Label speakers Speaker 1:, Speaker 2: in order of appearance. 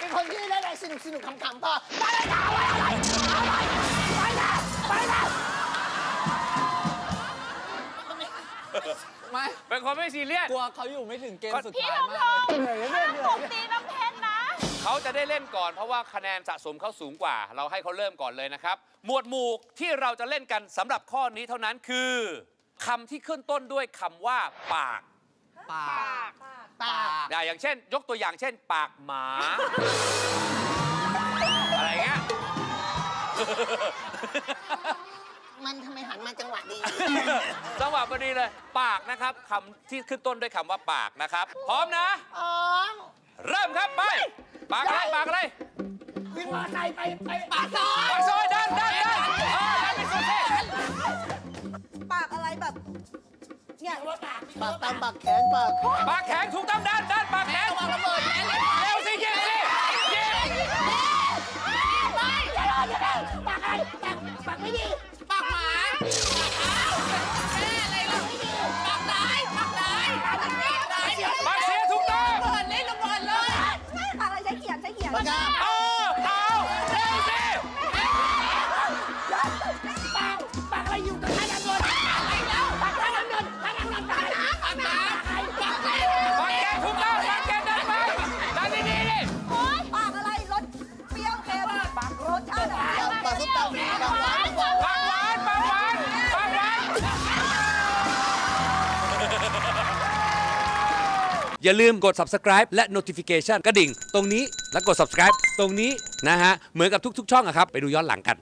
Speaker 1: เป็นคนที่เล่นอะไรสนุกขำๆพอไปแล้ว
Speaker 2: ไม่
Speaker 3: เป็นคนไม่ซีเรียส
Speaker 2: กลัวเขาอยู่ไม่ถึงเกมสุดท้ายมากเลย
Speaker 4: ห้ามตบตีน้ำเพชรนะ
Speaker 3: เขาจะได้เล่นก่อนเพราะว่าคะแนนสะสมเขาสูงกว่าเราให้เขาเริ่มก่อนเลยนะครับหมวดหมู่ที่เราจะเล่นกันสำหรับข้อนี้เท่านั้นคือคำที่ขึ้นต้นด้วยคำว่าปากอย่างเช่นยกตัวอย่างเช่นปากหมาอะไรเงี้ย
Speaker 1: มันทำไมหันมาจังหวะดี
Speaker 3: จังหวะพอดีเลยปากนะครับคำที่ขึ้นต้นด้วยคำว่าปากนะครับพร้อมนะเริ่มครับไปปากอะไร
Speaker 1: วิ่งมอไซค์ไปปากซอย
Speaker 3: ดันไปสุดที่
Speaker 4: ปากอะไรแบบเนี่ย
Speaker 1: ปากตามปากแขน
Speaker 3: ปากแข็งถูกต้องดันปากแข็งวางระเบิดเร็วสิยิงสิยิง
Speaker 1: ไม่อย่ารอจะได้ปากอะไรปากไม่ดี
Speaker 4: ปากหมาแม่อะไรล่ะปากไหน
Speaker 3: ปากเสียถูกต้อง
Speaker 4: เล่นระเบิดเลยปากอะไรใช้เขียน
Speaker 3: เอาเร็วสิ
Speaker 1: ปากอะไรอยู่กับท่านเงินอะไรแล้วปากท่านเงินปากแก
Speaker 3: ถูกต้องปากแกดันไปดันดีๆดิ
Speaker 4: ปากอะไรรสเปรี้ยวเค็มปากรสชาติ
Speaker 1: ปากส้มตำปากหวาน
Speaker 3: อย่าลืมกด subscribe และ notification กระดิ่งตรงนี้แล้วกด subscribe ตรงนี้นะฮะเหมือนกับทุกๆช่องอะครับไปดูย้อนหลังกัน